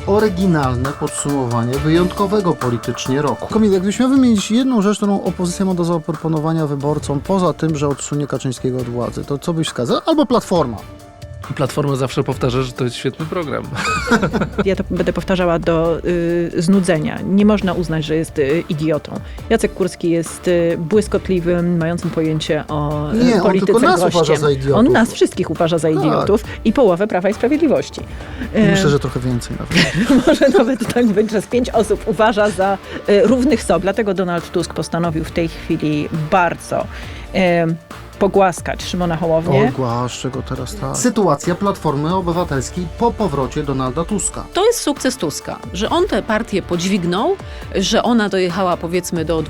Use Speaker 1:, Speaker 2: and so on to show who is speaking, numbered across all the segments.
Speaker 1: oryginalne podsumowanie wyjątkowego politycznie roku. Kamil, jakbyś miał wymienić jedną rzecz, którą opozycja ma do zaproponowania wyborcom, poza tym, że odsunie Kaczyńskiego od władzy, to co byś wskazał? Albo Platforma.
Speaker 2: Platforma zawsze powtarza, że to jest świetny program.
Speaker 3: Ja to będę powtarzała do znudzenia. Nie można uznać, że jest idiotą. Jacek Kurski jest błyskotliwym, mającym pojęcie o
Speaker 1: Nie, on
Speaker 3: polityce
Speaker 1: tylko nas
Speaker 3: gościem.
Speaker 1: uważa za idiotów.
Speaker 3: On nas wszystkich uważa za idiotów i połowę Prawa i Sprawiedliwości.
Speaker 1: Myślę, że trochę więcej nawet.
Speaker 3: Może nawet tak być, że z 5 osób uważa za równych sobie. Dlatego Donald Tusk postanowił w tej chwili bardzo pogłaskać Szymona Hołownię.
Speaker 1: Ogłaszczę go teraz tak. Sytuacja Platformy Obywatelskiej po powrocie Donalda Tuska.
Speaker 4: To jest sukces Tuska, że on tę partię podźwignął, że ona dojechała powiedzmy do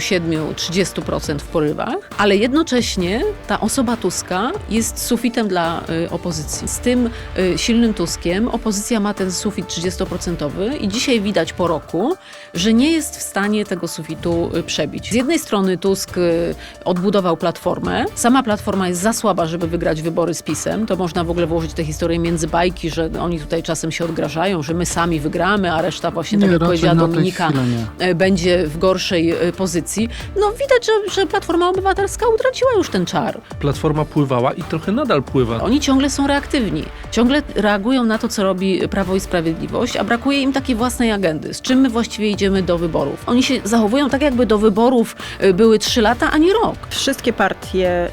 Speaker 4: 27-30% w porywach, ale jednocześnie ta osoba Tuska jest sufitem dla opozycji. Z tym silnym Tuskiem opozycja ma ten sufit 30% i dzisiaj widać po roku, że nie jest w stanie tego sufitu przebić. Z jednej strony Tusk odbudował Platformę. Sama Platforma jest za słaba, żeby wygrać wybory z PiS-em. To można w ogóle włożyć tę historię między bajki, że oni tutaj czasem się odgrażają, że my sami wygramy, a reszta właśnie, tak jak powiedziała Dominika, będzie w gorszej pozycji. No widać, że Platforma Obywatelska utraciła już ten czar.
Speaker 2: Platforma pływała i trochę nadal pływa.
Speaker 4: Oni ciągle są reaktywni. Ciągle reagują na to, co robi Prawo i Sprawiedliwość, a brakuje im takiej własnej agendy. Z czym my właściwie idziemy do wyborów? Oni się zachowują tak, jakby do wyborów były 3 lata, a nie rok.
Speaker 3: Wszystkie partie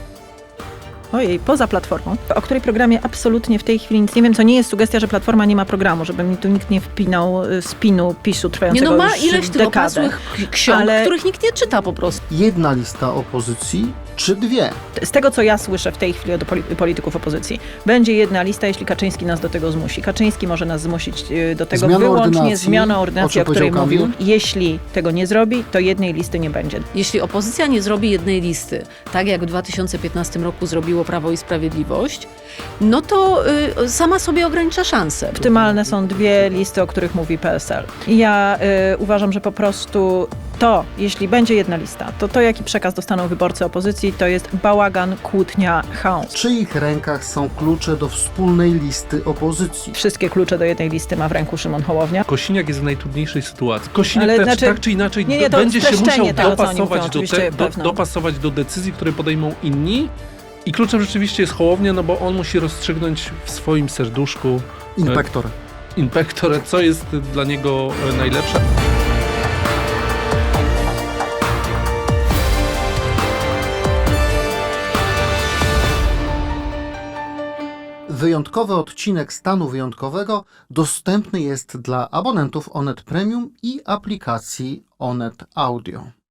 Speaker 3: poza Platformą, o której programie absolutnie w tej chwili nic nie wiem, co nie jest sugestia, że Platforma nie ma programu, żeby mi tu nikt nie wpinał spinu PiS-u trwającego
Speaker 4: ma
Speaker 3: już
Speaker 4: ileś tych
Speaker 3: dekadę.
Speaker 4: opasłych ksiąg,
Speaker 3: Ale
Speaker 4: których nikt nie czyta po prostu.
Speaker 1: Jedna lista opozycji, czy dwie?
Speaker 3: z tego, co ja słyszę w tej chwili od polityków opozycji, będzie jedna lista, jeśli Kaczyński nas do tego zmusi. Kaczyński może nas zmusić do tego wyłącznie zmianą ordynacji, o której mówił. Jeśli tego nie zrobi, to jednej listy nie będzie.
Speaker 4: Jeśli opozycja nie zrobi jednej listy, tak jak w 2015 roku zrobiło Prawo i Sprawiedliwość, no to sama sobie ogranicza szanse.
Speaker 3: Optymalne są 2 listy, o których mówi PSL. Ja uważam, że po prostu jeśli będzie jedna lista, to jaki przekaz dostaną wyborcy opozycji, to jest bałagan, kłótnia, chaos.
Speaker 1: W czyich rękach są klucze do wspólnej listy opozycji?
Speaker 3: Wszystkie klucze do jednej listy ma w ręku Szymon Hołownia.
Speaker 2: Kosiniak jest w najtrudniejszej sytuacji. Kosiniak
Speaker 3: Ale
Speaker 2: też,
Speaker 3: znaczy,
Speaker 2: tak czy inaczej
Speaker 3: to
Speaker 2: będzie się musiał
Speaker 3: tego, co oni mówią,
Speaker 2: dopasować do decyzji, które podejmą inni. I kluczem rzeczywiście jest Hołownia, no bo on musi rozstrzygnąć w swoim serduszku Inpektor, co jest dla niego najlepsze.
Speaker 1: Wyjątkowy odcinek Stanu Wyjątkowego dostępny jest dla abonentów Onet Premium i aplikacji Onet Audio.